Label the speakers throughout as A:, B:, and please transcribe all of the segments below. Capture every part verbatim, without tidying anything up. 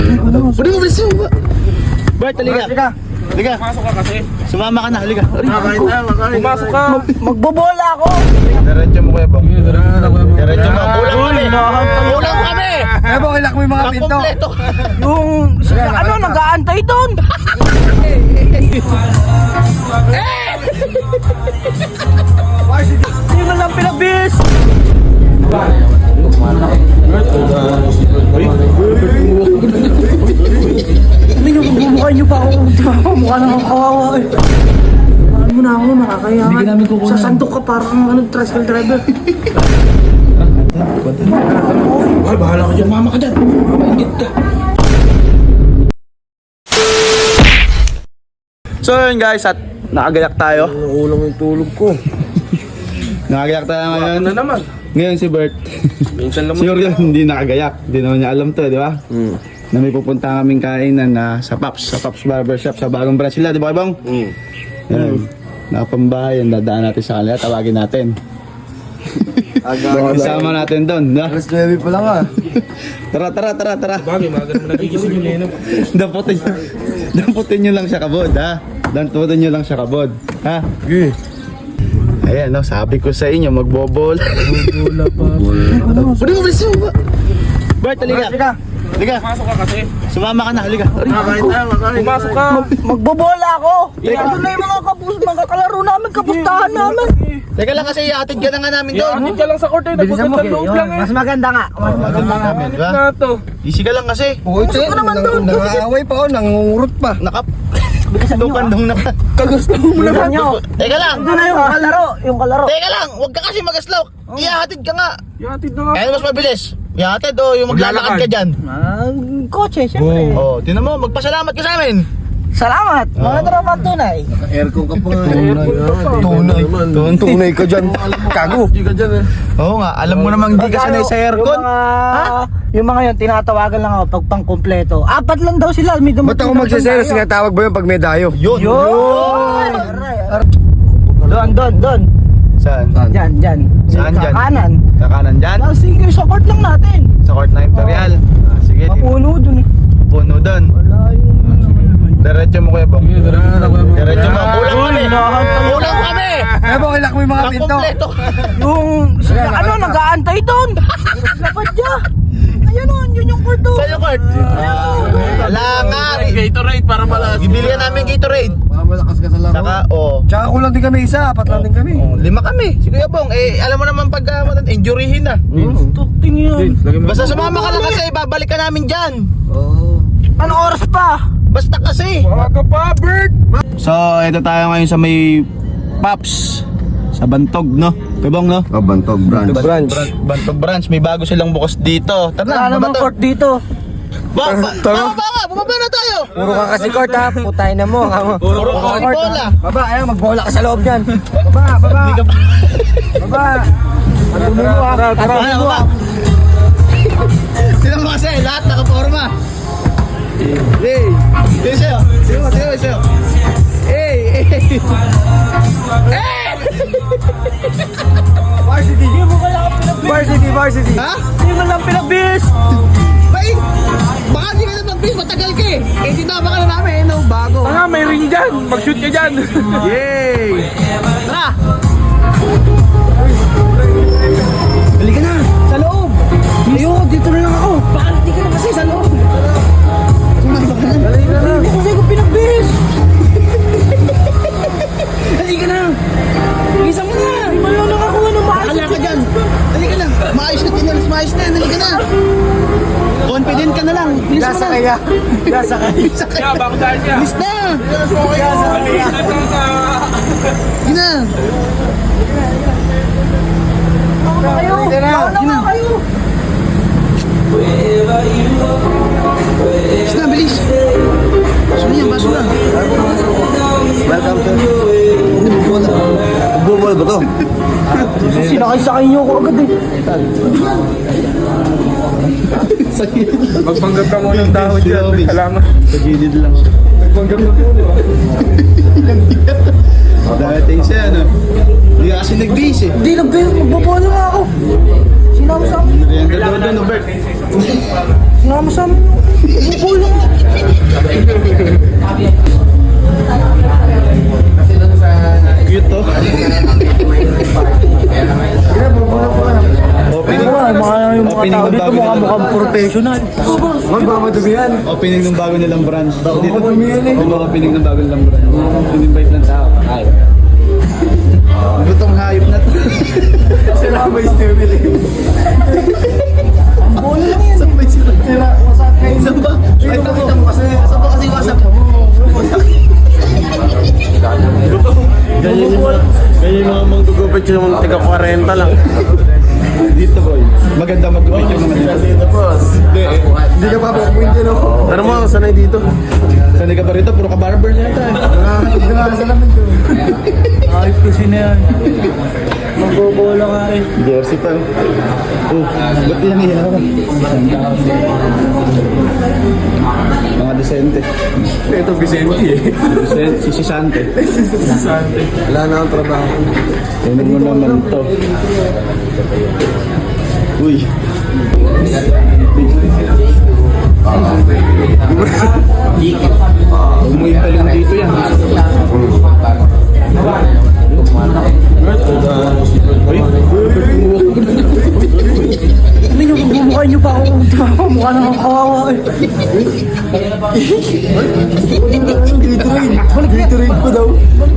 A: Pwede mo bilis mo ba? Bart, halika. Halika.
B: Pumasok ka kasi.
A: Sumama ka na, halika.
B: Pumasok ka.
C: Magbobola ako.
A: Diretso mo kuya bang. Diretso mo. Kulang kami. Kulang kami.
D: Eh, bang ilak mo yung mga pinto.
A: Kompleto.
C: Yung ano, nag-aantay doon. Hindi mo lang pinabis. Hindi nyo bumukha nyo pa ako. Mukha na akong kawawa eh. Ano mo na ako, nakakayangan. Sasandok ka parang ano, tricycle driver.
A: Ay, bahala ka dyan. Mama ka dyan. Mamaingit ka. So yun guys, at nakagayak tayo.
D: Ulang yung tulog ko.
A: Nakagayak tayo ngayon.
B: Ano naman?
A: Ngayon si Bert.
B: Minsan lang
A: Si Orion hindi nakagayak. Hindi naman niya alam to, di ba?
D: Hmm.
A: Na may pupunta kaming kainan na sa Paps, sa Paps Barbershop, sa bagong branch nila, di ba Bang?
D: Hmm.
A: Yan. Nakapambahay, ang dadaan natin sa kanila, tawagin natin.
D: Aga.
A: Isama natin doon, na?
D: Alas nuwebe pa lang ah.
A: Tara, tara, tara, tara.
B: bagay, mga ganun nagigising yun eh. no?
A: Damputin, damputin nyo lang siya kabod, ha? Damputin nyo lang siya kabod, ha?
D: Okay.
A: Ayan, no, sabi ko sa inyo, magbobol.
D: Wala pa.
A: Pwede mo bilis mo ba? Bart, halika. Halika.
B: Pumasok ka kasi.
A: Sumama ka na, halika.
B: Pumasok ka.
C: Magbobola ako. Ito na yung mga kapus, mga kalaro namin, kapustahan namin.
A: Teka lang kasi, iatid ka na nga namin doon.
B: Iatid ka lang sa korte. Nagpagkat sa loob lang eh.
C: Mas maganda nga. Mas maganda nga.
A: Namin, di ba?
B: Na to.
A: Easy ka lang kasi.
D: Oh, ito
C: ko naman doon.
D: Nangaaway pa oh, nangungurot pa.
A: Nakap. Lupandong na.
B: Kagusto mo naman.
C: Nyo.
A: Teka lang.
C: Ito na yung kalaro. Yung kalaro.
A: Teka lang, huwag ka kasi magaslaw. Ihatid ka nga.
B: Iatid na nga.
A: Kaya mas mabilis. Ihatid o yung maglalakad ka dyan.
C: Ah, kotse, syempre.
A: Oh, tinan mo, magpasalamat ka sa amin.
C: Salamat. Mga tropa tunay.
D: Aircon ka pa nga.
A: Tunay. Tunay.
D: Tunay ka dyan. Kago.
B: Hindi ka dyan eh.
A: Oo nga, alam mo namang hindi ka sanay sa aircon.
C: Yung mga, yung mga yun, tinatawagan lang ako pag pang kompleto. Apat lang daw sila. May
D: Ba't ako magsiselos? Sinatawag ba yun pag may dayo?
A: Yun.
C: Yun! Doon, doon, doon.
A: Saan?
C: Dyan, dyan.
A: Saan dyan?
C: Kakanan.
A: Kakanan dyan?
C: Ah, sige, support lang natin.
A: Sa court na Imperial. Ah, sige, di-
C: Mapuno dun eh.
A: puno doon.
C: Wala yung...
A: Diretso mo kuya bang. Diretso mo. Kulang kami.
C: nakakatawa.
A: Kulang kami.
D: Eh, bang ilak mo yung mga pinto.
A: Kompleto.
C: Yung... ano, nag-aantay doon. Lapad niya. Ayan o, yun yung kwarto.
A: Sa'yo court. Wala nga.
B: Gatorade para malas.
A: Bibilihan namin Gatorade.
D: Baka malakas ka sa laro.
A: Saka, oh.
D: Tsaka kulang din kami isa. Apat lang din kami.
A: Oh, lima kami. Si Kuya Bong, eh, alam mo naman pag uh, injuryhin na.
C: Tuting yun.
A: Basta sumama ka lang kasi, babalik ka namin dyan.
D: Oo.
C: Ano oras pa?
A: Basta kasi.
B: Baka pa, Bert.
A: So, ito tayo ngayon sa may Paps. Sa Bantog, no? Kuya Bong, no?
D: Oh, Bantog branch.
A: Branch. Bantog Branch. May bago silang bukas dito. Tara
C: Wala
A: na,
C: namang
A: baba
C: court dito.
A: Ba, ba,
D: Tara.
A: baba nga, bumaba na tayo.
D: Puro ka kasi court ha. Putay na mo.
A: Puro ka kasi bola.
D: Baba, ayaw. Magbola ka sa loob dyan. Baba, baba.
A: Hindi ka
D: Baba. Patuloy mo ha.
A: Tara,
D: Patuloy mo
A: baba.
D: ha.
A: Sino mo kasi, lahat nakaporma. Hey, sino sa'yo? Sino mo, sino mo, sino? Hey, hey. Hey!
D: Varsity.
C: Hindi mo kaya ako pinabis.
D: Varsity, varsity.
A: Ha?
C: Hindi mo lang pinabis.
A: Bay, baka di ka na mag-bis, matagal ka eh. Eh, tinama ka na namin, eh, no, bago.
B: Tanga, may ring dyan. Mag-shoot ka dyan.
A: Yay! Tara! Balik ka na, sa loob.
C: Ayoko, dito na lang ako. Bakit hindi ka na kasi sa loob? Hindi ko kasi ko pinabis.
A: Dali ka na.
C: Isa mo na. Hindi mo lang nakakuha ng maayos.
A: Bakala ka dyan. Dali ka na. Maayos na tinalis, maayos na. Dali ka na. Confident ka na lang. Bilis mo
D: Lasa
A: na.
D: kaya. Lasa kaya.
A: Bilis ka.
B: Kaya, bago dahil siya.
A: Bilis na.
B: Maliit na to sa...
A: Dali na.
C: Kayo. Mauna nga kayo.
A: Bilis na, bilis. Baso na yan, baso na.
D: Welcome sir. Bubol ba to?
C: Sinakay-sakay niyo ako agad eh.
B: Magpanggap ka muna ng dahon dyan. Salamat.
A: Sa gilid lang siya.
B: Magpanggap ka muna.
A: Dating siya, ano? Hindi ka kasi nag-base eh.
C: Hindi nag-base. Magbabola nga ako. Sinama sa amin.
A: Merienda daw doon, Bert.
C: Sinama sa amin. Bubol lang.
A: Cute to. Opening,
C: Mga, mga yung mga
A: opening
C: tao
A: ng
C: dito
A: bago
C: mukha
A: nilang
C: mukhang professional.
D: Man, baka madumi yan.
A: opening ng bago nilang branch. Dito
D: madumi yan eh.
A: Oo, opening ng bago nilang branch. In-invite ng tao. Ay. Gutong hayop na to.
D: Sila may stupid eh.
C: Bola lang yan.
A: Sabay sila.
D: Sila, wasak kayo.
A: Saan ba? Ay,
D: Kita mo kasi.
A: Saan ba kasi WhatsApp?
B: Ganyan yung ganyan yung mga manggugupit yung mga tiga kwarenta lang.
A: Dito, boy. Maganda mag-upit yung mga dito.
B: Boss.
A: Hindi, eh.
D: Hindi ka pa pupunta no?
B: Pero mo, sanay dito.
A: Sanay ka pa rito, puro ka barber na ito.
D: Nakakatid ka nga sa namin to.
C: Ayop kasi na yan. Magbobola nga eh.
A: Jersey pa. Oh, ba't yan iyawan? Mga desente.
B: Ito, Vicente eh.
A: Desente, si Sisante.
D: Wala na ang trabaho.
A: Tingnan mo naman to. Uy. Umuwi pa lang dito yan.
C: Ano yung bumukha nyo pa ako? Mukha na akong kawawa eh.
D: Gatorade. Gatorade ko daw.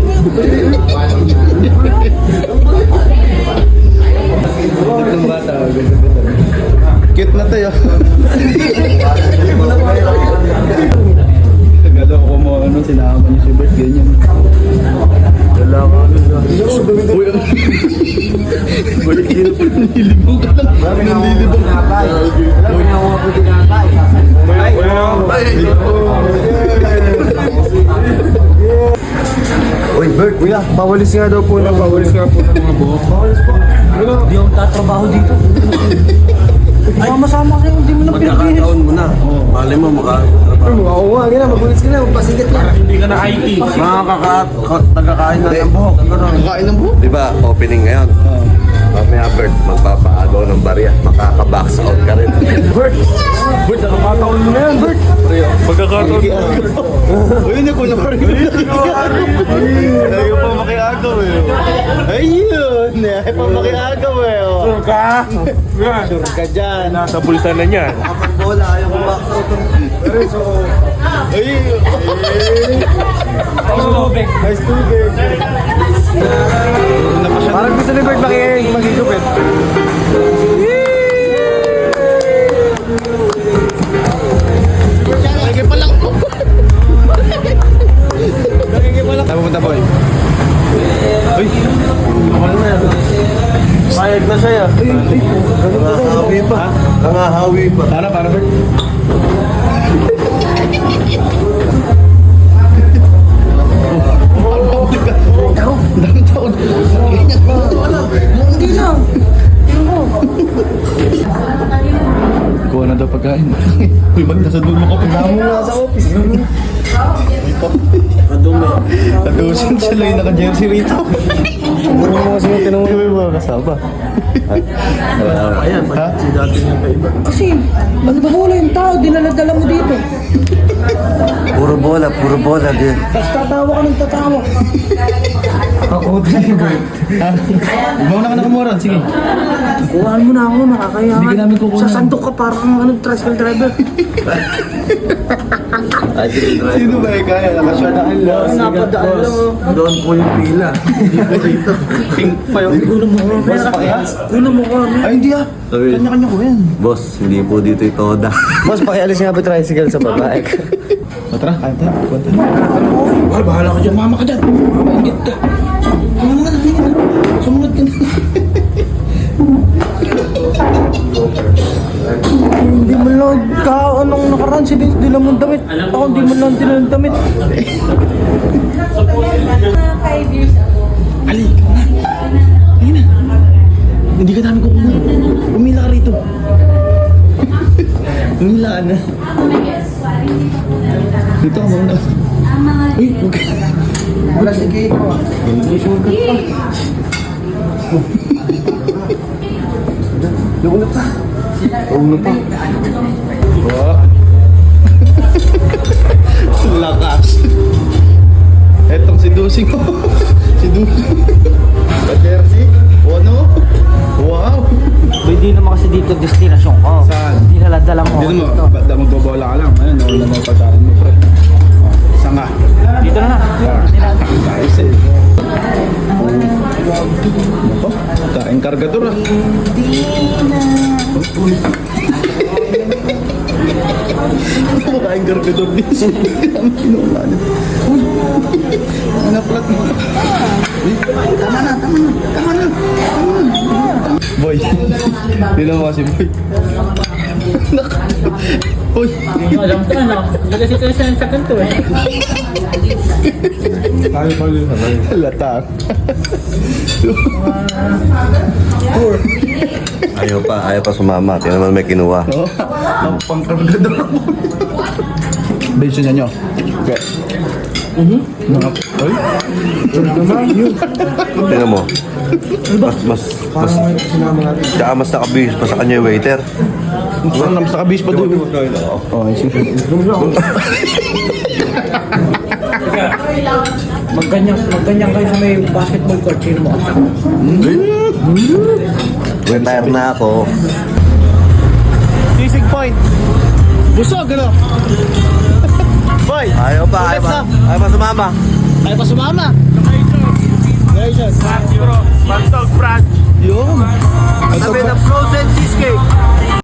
A: Itong bata, ganda-ganda. Cute na tayo. Tagalo ko mo, ano, sinama niyo si Bert, ganyan.
D: Wala ka.
A: Uy, ano? Balik dito pa, nilibong ka lang. Nilibong.
D: Alam mo na ako ako tinatay. Uy, Bert, kuya, pawalis nga daw po na pawalis nga po ng mga buhok. Pawalis po.
C: Hindi ako tatrabaho dito. Masama kayo, hindi mo na pinagbinis.
B: Magkakataon mo na. Mali mo, maka...
D: Oo nga, gina, magulis ka na, magpasigit na.
B: Hindi ka na I T. Mga kakaat, nagkakain na ng buhok.
A: Kakain ng buhok.
E: Di ba, opening ngayon? Mamaya, Bert, magpapaagaw ng barya. Makaka-box out ka rin.
B: Bert, nakakataon mo na yan, Bert. Magkakataon mo.
A: Uy, hindi ko na parang Ayaw pa makiagaw eh. Ayun, ayaw pa makiagaw eh.
B: Sure ka?
A: Sure ka dyan.
B: Nasa bulsa na niya.
D: Bola, ayaw ko box out. Pero so,
A: Ayun.
D: nice to meet Parang gusto ni Bert maki- magigupit.
A: Nagiging pa lang po. Nagiging pa lang. Saan pupunta, boy? Uy.
B: Payag na siya.
E: Nangahawi pa. Nangahawi pa.
A: Para, para, Bert. Dami taon.
C: Hindi lang. Tingnan mo.
A: Kuha na daw pagkain. Uy, ba't nasa doon mo ka pinamo na sa office?
B: Kadumi.
A: Kadusin sila yung naka-jersey rito.
D: Puro mo kasi yung tinanong.
A: Hindi mo mga kasama.
B: Ayan,
A: Ha?
B: si dati niya pa iba.
C: Kasi, magbobola yung tao, dinala-dala mo dito.
E: Puro bola, puro bola din.
C: Tapos tatawa ka ng tatawa.
D: Ako din, Bert.
A: Ha? Mauna ka na kumuran, sige.
C: Kuhaan mo na ako, nakakaya
A: Hindi ka namin kukunan.
C: Sasandok ka parang ano, tricycle driver.
A: Sino ba yung kaya? Nakasya na ang loss.
C: Napadaan lang oh.
B: Doon po yung pila. Hindi po dito.
A: Pink pa yun.
C: Kuno mo ko,
A: Boss, pakihas.
C: Kuno mo ko,
A: Ay, hindi ah.
E: Sabi,
A: Kanya-kanya ko yan.
E: boss, hindi po dito ito toda.
D: Boss, pakialis nga ba tricycle sa babae?
A: O tara, kain tayo. Kuha tayo.
B: Ay, bahala ka dyan.
A: Mama ka dyan. Mamaingit ka. Mama ka dyan. Sumunod ka na.
C: Hindi mo lang ka, anong nakaraan, si dila mong damit. Ako hindi mo lang dila ng damit.
F: Mga five years ago.
A: Ali, ikaw na. Ayun na. Hindi ka namin kukunan. Umila ka rito. Umila ka na. Dito ka muna.
F: Ang mga
A: Uy, huwag ka.
D: Wala si Kate ko.
E: Nauna pa. Nauna pa.
A: Oh. Lakas. Etong si Dusing. Si Dusing. Ka-jersey. Oh no. Wow.
C: Hindi naman kasi dito destinasyon ko.
A: Saan?
C: Hindi naladala mo.
A: Hindi mo,
C: dito.
A: ba't magbobola ka lang? Ayun, nauna mo pagkaan mo, pre. Oh, isa nga.
C: Dito na na. Hindi na.
A: Nice eh. Ako, kain kargador ah. Ako, kain kargador din. Ano plat mo? Tama na, tama na, tama na. Boy, dito mo kasi boy. Uy,
C: Alam ko na. Hindi kasi ito siya sa kanto eh.
B: Tayo pa yun.
A: latang.
E: Ayaw pa, ayaw pa sumama. Tingnan naman may kinuha.
A: Oh, ang pangkargador ako. Bensin na nyo. Okay. Mga, oy,
E: Tingnan mo. Mas, mas, mas, tsaka mas nakabihis pa sa kanya yung waiter.
A: saan naman sa kabis pa doon? Oh, sige.
C: Magganyan, magganyan kayo sa may basketball court. Sino mo?
E: Retire na ako.
A: Sisig point. Busog, ano? Boy,
E: Ayaw pa, ayaw pa. Ayaw pa sumama.
A: ay pa sumama. Congratulations.
B: Bantog, Brad.
A: Yun.
E: Sabi na frozen cheesecake.